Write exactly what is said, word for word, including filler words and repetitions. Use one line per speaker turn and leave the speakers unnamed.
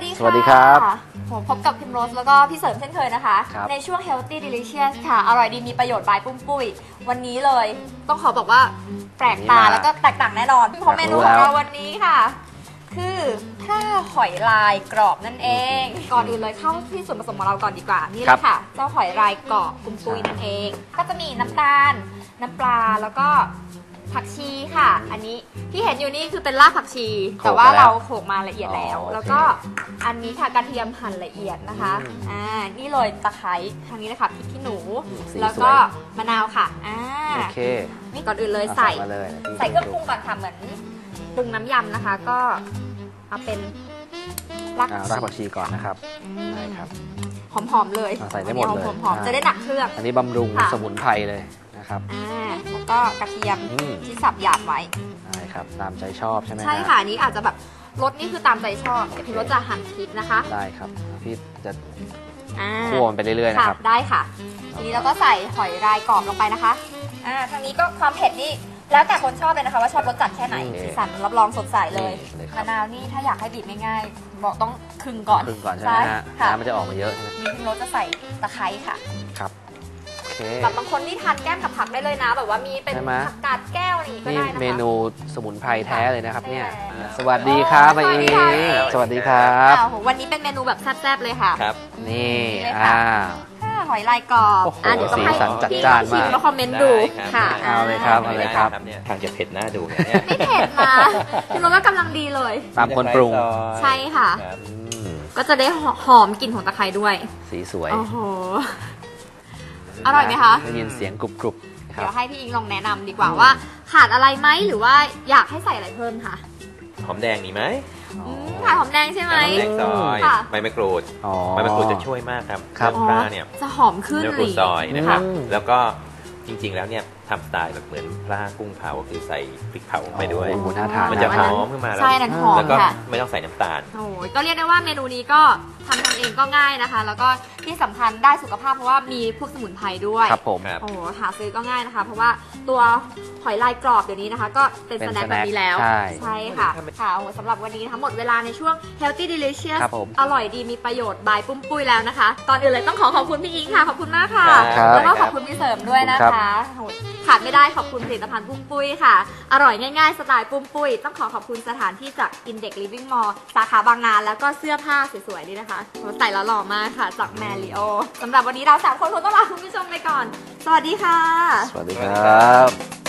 ดีค่ะ
สวัสดีครับ
ผมพบกับพิมโรสแล้วก็พี่เสริมเช่นเคยนะคะในช่วง Healthy Delicious ค่ะอร่อยดีมีประโยชน์บายปุ้มปุ้ยวันนี้เลยต้องขอบอกว่าแปลกตาแล้วก็แตกต่างแน่นอนเพราะเมนูของเราวันนี้ค่ะคือผ้าหอยลายกรอบนั่นเองก่อนอื่นเลยเข้าที่ส่วนผสมของเราก่อนดีกว่านี่เลยค่ะเจ้าหอยลายกรอบปุ้มปุ้ยนั่นเองก็จะมีน้ำตาลน้ำปลาแล้วก็ผักชีค่ะอันนี้ที่เห็นอยู่นี่คือเป็นรากผักชีแต่ว่าเราโขลกมาละเอียดแล้วแล้วก็อันนี้ค่ะกระเทียมหั่นละเอียดนะคะอ่านี่เลยตะไคร้ทางนี้เลยค่ะพริกขี้หนูแล้วก็มะนาวค่ะอ่า
โอเค
นี่ก่อนอื่นเลยใส่ใส่เครื่องปรุงก่อนค่ะเหมือนปรุงน้ำยำนะคะก็เอาเป็นราก
ผักชีก่อนนะครับได้ครับ
หอมๆเลย
ใส่ได้หมดเลย
หอมๆจะได้หนักเครื่อง
อันนี้บำรุงสมุนไพรเลยนะครับ
อ่าแล้วก็กระเทียมที่สับหยาบไว้
ได้ครับตามใจชอบใช่ไหม
ใช่ค่ะนี้อาจจะแบบรสนี่คือตามใจชอบเดี๋ยวพี่รสจะหั่นพริกนะคะ
ได้ครับพี่จะคั่วมันไปเรื่อยๆนะครับ
ได้ค่ะทีนี้เราก็ใส่หอยลายกรอบลงไปนะคะอ่าทางนี้ก็ความเผ็ดนี่แล้วแต่คนชอบเลยนะคะว่าชอบรสจัดแค่ไหนสีสันรับรองสดใสเลยมะนาวนี่ถ้าอยากให้บีบง่ายๆบอกต้องครึ่งก่อน
ครึ่งก่อนใช่ไหมฮะน้ำมันจะออกมาเยอะใช่ไหม
นี่พี่รสจะใส่ตะไคร้ค่ะ
ครับ
แบบบางคนนี่ทานแก้มกับผักได้เลยนะแบบว่ามีเป็นผักกาดแก้วอะไรอย่างงี้ก็ได้นะคะ
นี่เมนูสมุนไพรแท้เลยนะครับเนี่ยสวัสดีครับไปเองสวัสดีครับ
วันนี้เป็นเมนูแบบแซ่บๆเลยค่ะ
ครับนี่อ่า
หอยลายกรอบ
อ่ะเดี๋ยวต้องให้พี่
ชิมแล้วคอมเมนต์ดูค่ะ
เอาเลยครับเอาเลยครับ
ทางจะเผ็ดหน้าดู
ไม่เผ็ดนะพี่รสว่ากำลังดีเลย
ตามคนปรุง
ใช่ค่ะก็จะได้หอมกลิ่นของตะไคร้ด้วย
สีสวย
โอ้โหอร่อยไหมคะ
ได้ยินเสียงกรุบ
ๆเดี๋ยวให้พี่อิงลองแนะนำดีกว่าว่าขาดอะไรไหมหรือว่าอยากให้ใส่อะไรเพิ่มคะ
หอมแดงมีไหม
ขาดหอมแดงใช่ไหม
หอมแดงซอยใบมะกรูดใบมะกรูดจะช่วยมากครับ
ครับ
ปลาเนี่ย
จะหอมขึ้น
เนื้อปูซอยนะครับแล้วก็จริงๆแล้วเนี่ยทำสไตล์แบบเหมือนปลากุ้งเผาก็คือใส่พริกเผาไปด้วยมันจะหอมขึ้นมาแล้วแล้วก็ไม่ต้องใส่น้ำตาล
โอ้ยก็เรียกได้ว่าเมนูนี้ก็ทำทำเองก็ง่ายนะคะแล้วก็ที่สำคัญได้สุขภาพเพราะว่ามีพวกสมุนไพรด้วย
ครับผม
โอ้หาซื้อก็ง่ายนะคะเพราะว่าตัวหอยลายกรอบเดี๋ยวนี้นะคะก็เป็นสแน็คแบบนี้แล้วใช่ค่ะค่ะสำหรับวันนี้ทั้งหมดเวลาในช่วง Healthy Delicious อร่อยดีมีประโยชน์บายปุ้มปุ้ยแล้วนะคะตอนอื่นเลยต้องขอขอบคุณพี่อิงค่ะขอบคุณมากค่ะแล้วก็ขอบคุณพี่เสริมด้วยนะคะขาดไม่ได้ขอบคุณผลิตภัณฑ์ปุ้มปุ้ยค่ะอร่อยง่ายๆสไตล์ปุ้มปุ้ยต้องขอขอบคุณสถานที่จาก Index Living Mall สาขาบางนาแล้วก็เสื้อผ้าสวยๆนี่นะคะใส่แล้วหล่อมากค่ะจากแมริโอสำหรับวันนี้เราสามคนคงต้องลาคุณผู้ชมไปก่อนสวัสดีค่ะ
สวัสดีครับ